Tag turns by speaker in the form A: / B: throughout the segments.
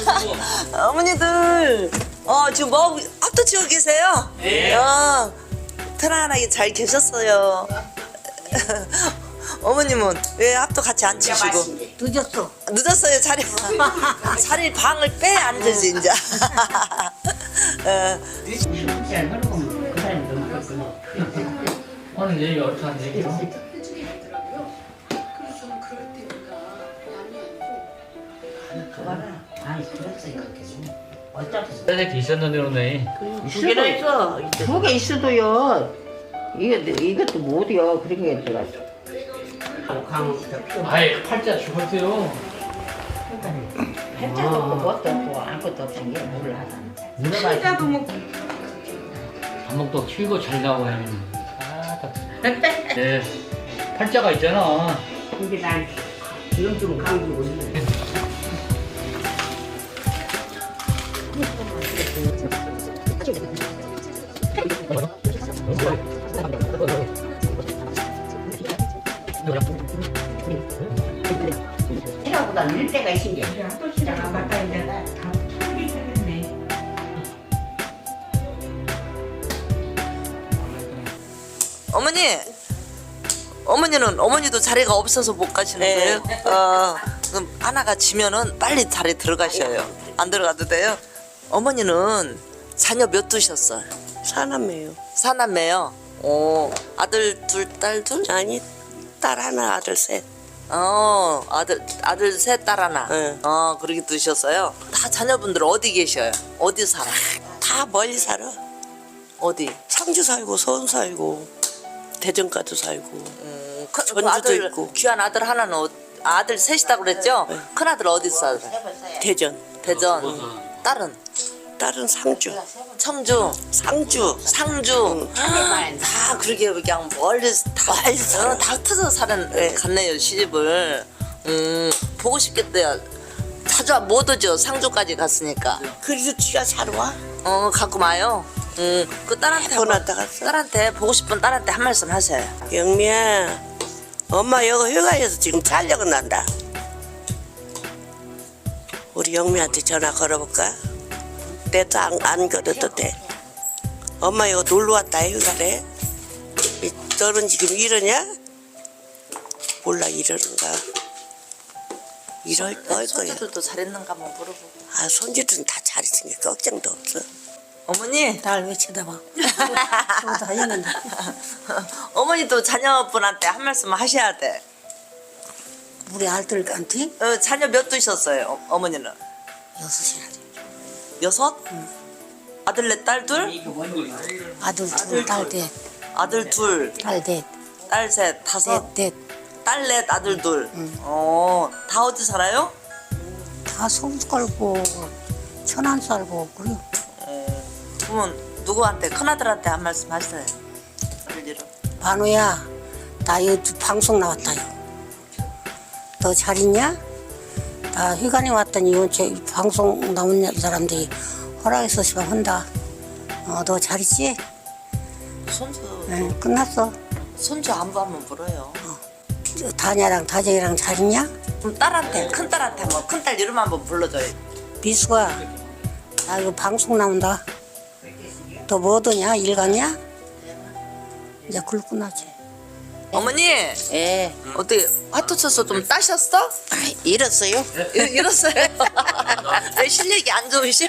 A: 어머니들, 지금 뭐 합도 치고 계세요?
B: 네.
A: 편안하게 잘 계셨어요. 어머님은 왜 합도 같이 안 치시고?
C: 늦었어.
A: 늦었어요, 자리. 자리 방을 빼 앉으지, 이제.
B: 오늘 얘기 어떻게 한 얘기로?
C: 아니 그랬어요. 어차피
B: 새끼 있었는데 오늘
C: 두 개나 있어. 두 개 있어도요. 이것도 못이야. 그런 게 들어갔어.
B: 아예 팔자 죽었어요.
C: 팔자도 없고 뭣도 없고 아무것도 없던 게 물을 하잖아.
D: 팔자도 뭐
B: 감목도 키우고 잘 나고 해. 네. 팔자가 있잖아.
C: 근데 난 지금 좀 강조고 있네. 생각보다 늘 때가 있은 게.
D: 또 시작 안 갔다 이제 다 풀기 시작했네.
A: 어머니도 자리가 없어서 못 가시는 거예요? 그럼 하나가 지면은 빨리 자리 들어가셔요. 안 들어가도 돼요? 어머니는 자녀 몇 두셨어요?
E: 사남매요.
A: 사남매요? 아들 둘, 딸 둘?
E: 아니, 딸 하나, 아들 셋.
A: 아들 셋, 딸 하나.
E: 네.
A: 그렇게 두셨어요? 다 자녀분들 어디 계셔요? 어디 살아?
E: 다 멀리 살아.
A: 어디?
E: 상주 살고, 서울 살고, 대전까지 살고. 전주도
A: 아들,
E: 있고.
A: 귀한 아들 하나는 아들 셋이다 그랬죠? 큰 아들 어디 살아요?
E: 대전.
A: 대전. 딸은?
E: 딸은 상주.
A: 청주,
E: 상주.
A: 상주. 다 그렇게 그냥 멀리서 다 흩어져 갔네요, 시집을. 보고 싶겠대요. 자주 못 오죠, 상주까지 갔으니까.
E: 그래도 쥐가 사러 와.
A: 갖고 와요. 그 딸한테
E: 번 왔다 갔어.
A: 딸한테 보고 싶은 딸한테 한 말씀 하세요.
E: 영미야, 엄마 여기 휴가에서 지금 촬영은 난다. 우리 영미한테 전화 걸어볼까? 내도 안 걸어도 돼. 엄마 여기 놀러 왔다 휴가래. 너는 지금 이러냐? 몰라 이러는가. 이럴 거야.
A: 손주들도 잘했는가 한번 물어보고.
E: 손주들은 다 잘했으니까 걱정도 없어.
A: 어머니.
C: 날 왜 쳐다봐? 다 했는데.
A: 어머니도 자녀분한테 한 말씀 하셔야 돼.
C: 우리 아들한테
A: 자녀 몇 두셨어요, 어머니는?
C: 6이나 돼.
A: 6? 아들 넷, 딸 둘?
C: 아들 둘, 딸 넷,
A: 아들 둘,
C: 딸 넷,
A: 딸 셋, 다섯.
C: 넷.
A: 딸 넷, 아들 둘. 다 어디 살아요?
C: 다 서울 살고 천안 살고 그래.
A: 그러면 누구한테, 큰아들한테 한 말씀 하세요. 아들 이름.
C: 반우야, 나 이거 방송 나왔다요. 너 잘 있냐? 나 휴가에 왔더니 저 방송 나온 사람들이 허락해서 시방 한다. 너 잘 있지?
A: 손주,
C: 응, 끝났어.
A: 손주 안부 한번 물어요.
C: 다냐랑 다정이랑 잘 있냐?
A: 그럼 딸한테, 큰딸한테 한번, 큰딸 이름 한번 불러줘요.
C: 미수가, 나 이거 방송 나온다. 너 뭐더냐? 일 갔냐? 이제 그걸 끝나지.
A: 어머니,
E: 예.
A: 어떻게 화투 쳐서 좀 따셨어?
E: 잃었어요?
A: 이랬어요. 왜 실력이 안 좋으셔?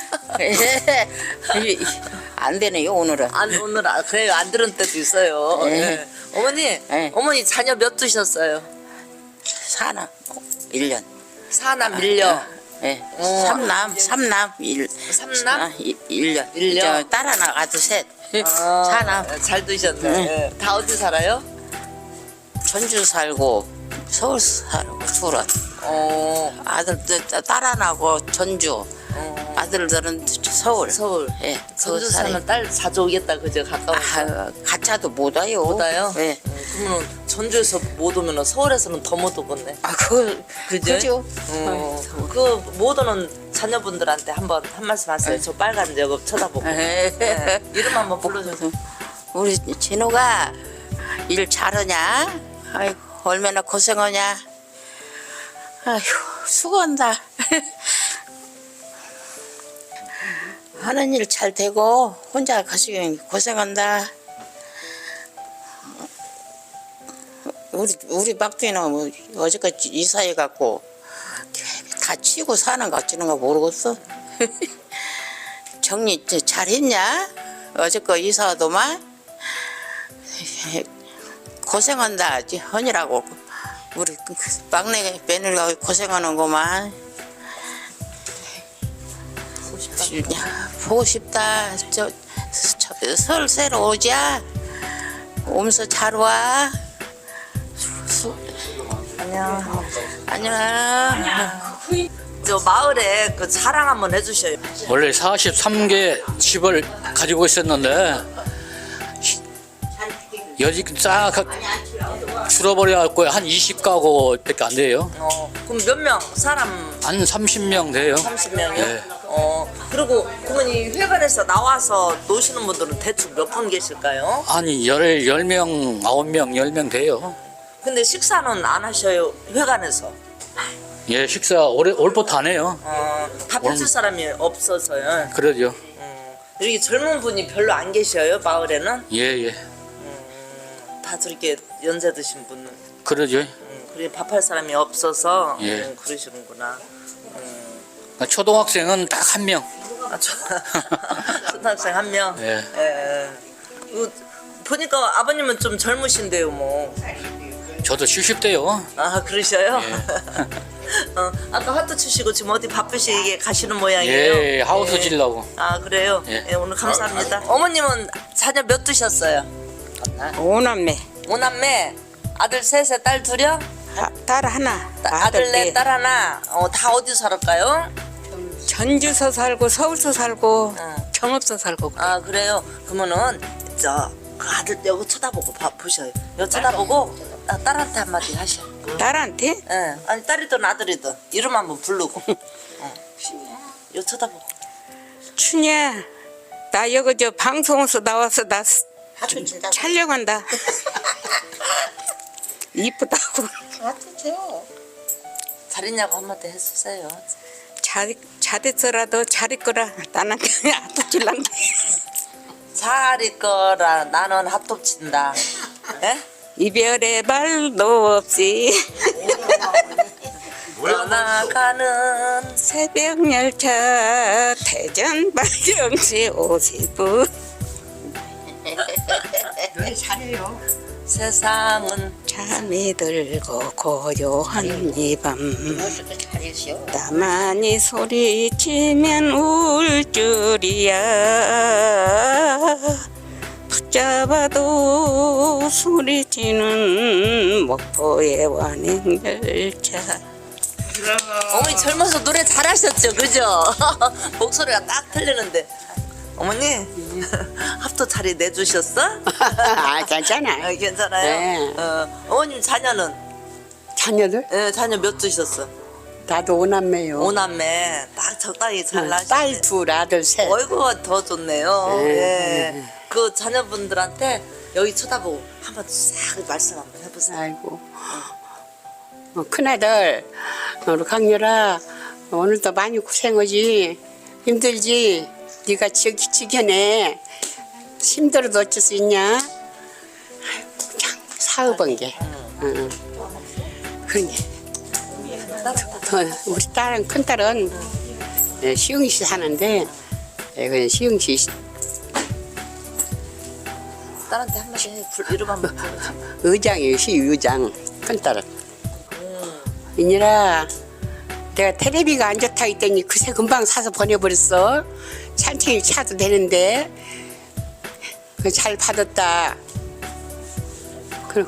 E: 안 되네요 오늘은.
A: 오늘 그래요, 안 들은 때도 있어요. 예. 어머니, 어머니 자녀 몇 두셨어요?
E: 사나 1년.
A: 사남 밀려.
E: 예. 삼남
A: 3남?
E: 1년.
A: 일년.
E: 딸 하나 아들 셋. 사남.
A: 잘 두셨네. 예. 다 어디 살아요?
E: 전주 살고 서울 살고 수원. 아들 딸 하나고 전주. 아들들은 서울.
A: 서울.
E: 예.
A: 전주 사는 딸 자주 오겠다, 그죠? 가까워서.
E: 가차도 못 와요.
A: 못 와요?
E: 예.
A: 그러면 전주에서 못 오면 서울에서는 더 못 오겠네.
E: 그죠?
A: 그 못 오는 자녀분들한테 한번 한 말씀 하세요. 저 빨간 여급 쳐다보고. 네. 이름 한번 불러주세요.
E: 우리 진호가 일 잘하냐? 아이고 얼마나 고생하냐? 아이고 수고한다.
F: 하는 일 잘 되고 혼자 가시기 고생한다. 우리 막둥이는 뭐 어제까지 이사해 갖고 다 치고 사는 거 어찌는 거 모르겠어. 정리 잘했냐? 어제껏 이사도만 고생한다. 헌이라고 우리 막내 며느리가 고생하는구만. 보고 싶다. 설 새로 오자. 오면서 잘 와. 안녕.
A: 저 마을에 그 자랑 한번 해주셔요.
B: 원래 43개 집을 가지고 있었는데 여지 싹 줄어버려갖고 한 20가구밖에 안 돼요.
A: 그럼 몇 명? 사람
B: 한 30명 돼요.
A: 30명이요?
B: 네.
A: 그리고 그러면 이 회관에서 나와서 노시는 분들은 대충 몇 분 계실까요?
B: 한 10명, 9명, 10명 돼요.
A: 근데 식사는 안 하셔요, 회관에서?
B: 예, 식사 올부터 안 해요.
A: 밥 해줄 사람이 없어서요.
B: 그러죠.
A: 여기 젊은 분이 별로 안 계셔요, 마을에는?
B: 예, 예.
A: 다 저렇게 연세 드신 분은.
B: 그러죠.
A: 그래 밥할 사람이 없어서
B: 예.
A: 그러시는구나.
B: 초등학생은 딱 한 명.
A: 초등학생 한 명.
B: 예.
A: 보니까 아버님은 좀 젊으신데요, 뭐.
B: 저도 70대요.
A: 아 그러셔요?
B: 예.
A: 아까 화투 치시고 지금 어디 바쁘시게 가시는 모양이에요.
B: 예, 하우스 질라고.
A: 아 그래요?
B: 예.
A: 예, 오늘 감사합니다. 어머님은 자녀 몇 두셨어요?
F: 5남매.
A: 5남매. 아들 셋에 딸 둘이요?
F: 딸 하나.
A: 아들 넷, 딸 하나. 다 어디 살을까요?
F: 전주서 살고 서울서 살고
A: 응.
F: 경업서 살고.
A: 아 그래요? 그러면은 그 아들 여기 쳐다보고 보셔요. 여기 쳐다보고 딸한테 한마디 하셔.
F: 딸한테?
A: 예. 아니 딸이든 아들이든 이름 한번 부르고. 여기 쳐다보고.
F: 춘이야, 나 여기 저 방송에서 나와서 나 촬영한다. 이쁘다고.
A: 잘했냐고 한마디 해주세요.
F: 잘 있어라도 잘 있거라. 나는 그냥 아프질란다.
A: 잘 있거라 나는 핫도그 친다. 예?
F: 이별의 말도 없이
A: 떠나가는
F: 새벽 열차 대전 발령시 50분.
A: 세상은
F: 잠이 들고 고요한 이 밤 나만이 소리치면 울 줄이야. 붙잡아도 소리치는 목포의 완행열차.
A: 어머니 젊어서 노래 잘하셨죠, 그죠? 목소리가 딱 틀리는데. 어머니 합도 자리 내주셨어?
C: 아, 괜찮아.
A: 괜찮아요.
C: 네.
A: 어머님 자녀는?
C: 자녀들?
A: 예, 자녀 몇 두셨어?
C: 나도 5남매요.
A: 5남매 딱 적당히 잘 나시네.
C: 딸 둘, 아들 셋.
A: 어이구 더 좋네요.
C: 네.
A: 예. 그 자녀분들한테 여기 쳐다보고 한번 싹 말씀 한번 해보세요.
C: 아이고. 큰아들, 우리 강렬아, 오늘도 많이 고생하지. 힘들지? 네가 지겨내. 힘들어도 어쩔 수 있냐? 아이고, 참 사업한 게. 응. 그런 게. 우리 딸은, 큰딸은 시흥시 사는데, 그 시흥시
A: 딸한테 한마디 해. 이름 한번 불러.
C: 의장이에요, 시의장. 큰딸은. 이니라, 내가 테레비가 안 좋다 했더니 그새 금방 사서 보내버렸어. 천천히 차도 되는데. 잘 받았다. 그리고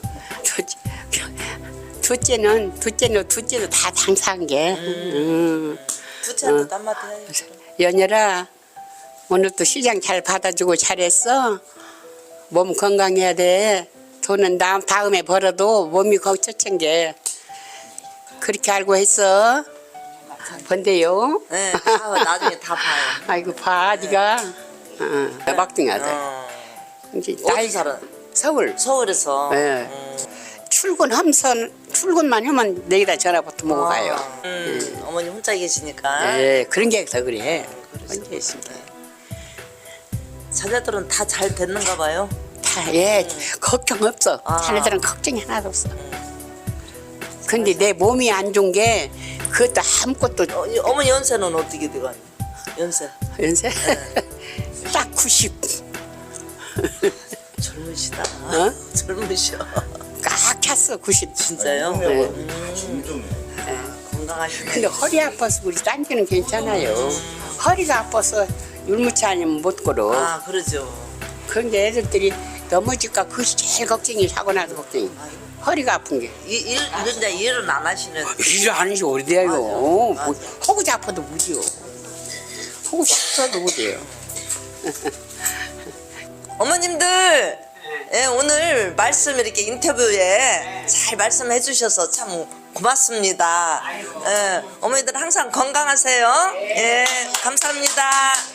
C: 둘째도 다 장사한 게.
A: 두째한테 한마디 해.
C: 연열아, 오늘도 시장 잘 받아주고 잘했어. 몸 건강해야 돼. 돈은 다음에 벌어도 몸이 걱정인 게. 그렇게 알고 했어. 본대요.
A: 네, 나중에 다 봐요.
C: 아이고 봐, 네가. 막둥이 아들. 이제
A: 어디 살아?
C: 서울.
A: 서울에서.
C: 네. 출근만 하면 내기다 전화부터 먹어 가요.
A: 어머니 혼자 계시니까.
C: 네, 그런 게 더 그래. 혼자 있습니다.
A: 자녀들은 다 잘 됐는가 봐요.
G: 다, 예, 걱정 없어.
A: 아.
G: 자네들은 걱정이 하나도 없어. 근데 내 몸이 안 좋은 게 그것도 아무것도
A: 어머니 연세는 어떻게 돼가니? 연세
G: 연세 딱 90.
A: 젊으시다.
G: 어?
A: 젊으셔.
G: 꽉 찼어 90.
A: 진짜요?
G: 네.
A: 건강하시네.
G: 근데 허리 아파서 우리 딴지는 괜찮아요. 허리가 아파서 율무차 아니면 못 걸어.
A: 아 그러죠.
G: 그런데 애들들이 넘어질까 그것이 제일 걱정이 사고 나서 걱정이. 허리가 아픈 게.
A: 이제 일은 안 하시네.
G: 일을 안 하시 오래돼요.
A: 맞아.
G: 뭐, 허구 잡아도 무지요. 허구 싶어도 못해요.
A: 어머님들 예, 오늘 말씀 이렇게 인터뷰에 잘 말씀해 주셔서 참 고맙습니다. 예, 어머니들 항상 건강하세요. 예, 감사합니다.